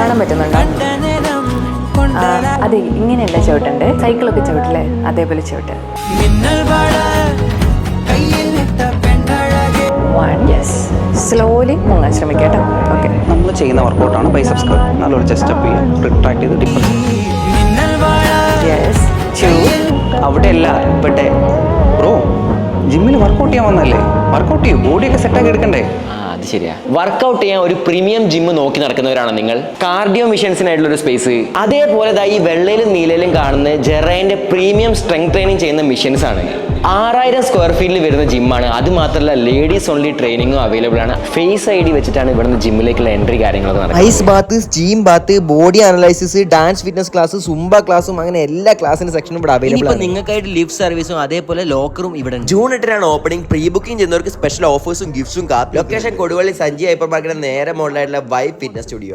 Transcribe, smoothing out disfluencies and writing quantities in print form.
കാണാൻ പറ്റുന്നുണ്ടോ? അതെ, ഇങ്ങനെയല്ല ചവിട്ടുണ്ട്. സൈക്കിളൊക്കെ ചവിട്ടില്ലേ, അതേപോലെ ചവിട്ട്. സ്ലോലി മുങ്ങാൻ ശ്രമിക്കാം കേട്ടോ. ഓക്കെ, നമ്മൾ ചെയ്യുന്ന വർക്കൗട്ടാണ് ബൈസെപ്സ് കർവ്. നല്ലൊരു ചെസ്റ്റ് അപ്പ് ചെയ്യുക, റിട്രാക്ട് ചെയ്ത് ഡിപ്പ്. അവിടെയല്ല ഇവിടെ ബ്രോ, ജിമ്മിൽ വർക്കൗട്ട് ചെയ്യാൻ വന്നല്ലേ, വർക്കൗട്ട് ചെയ്യും, ബോഡിയൊക്കെ സെറ്റാക്കി എടുക്കണ്ടേ? അത് ശരിയാ. വർക്കൗട്ട് ചെയ്യാൻ ഒരു പ്രീമിയം ജിമ്മ് നോക്കി നടക്കുന്നവരാണ് നിങ്ങൾ. കാർഡിയോ മിഷൻസിനായിട്ടുള്ള ഒരു സ്പേസ്, അതേപോലെ ഈ വെള്ളയിലും നീലയിലും കാണുന്ന ജെറൈൻ്റെ പ്രീമിയം സ്ട്രെങ്ത് ട്രെയിനിങ് ചെയ്യുന്ന മിഷൻസ് ആണ്. 6000 സ്ക്വയർ ഫീറ്റിൽ വരുന്ന ജിമ്മാണ്. അത് മാത്രമല്ല ലേഡീസ് ഓൺലി ട്രെയിനിങ്ങും അവൈലബിൾ ആണ്. ഫേസ് ഐ ഡി വെച്ചിട്ടാണ് ഇവിടുന്ന് ജിമ്മിലേക്കുള്ള എൻട്രി കാര്യങ്ങളൊക്കെ നടക്കുന്നത്. Ice bath, steam bath, body analysis, dance fitness class, zumba ക്ലാസ്സും അങ്ങനെ എല്ലാ ക്ലാസിന്റെ സെക്ഷനും ഇവിടെ അവൈലബിൾ ആണ്. നിങ്ങൾക്കായിട്ട് ലിഫ്റ്റ് സർവീസും അതേപോലെ ലോക്കറും ഇവിടെ. June 8 opening. പ്രീ ബുക്കിംഗ് ചെയ്യുന്നവർക്ക് സ്പെഷ്യൽ ഓഫേഴ്സും ഗിഫ്റ്റ്സും കാത്തും. ലൊക്കേഷൻ കൊടുവള്ളി സഞ്ജി ഹൈപ്പർ മാർക്കറ്റിന് നേരെ മുകളിലായിട്ടുള്ള വൈബ് ഫിറ്റ്നസ് സ്റ്റുഡിയോ.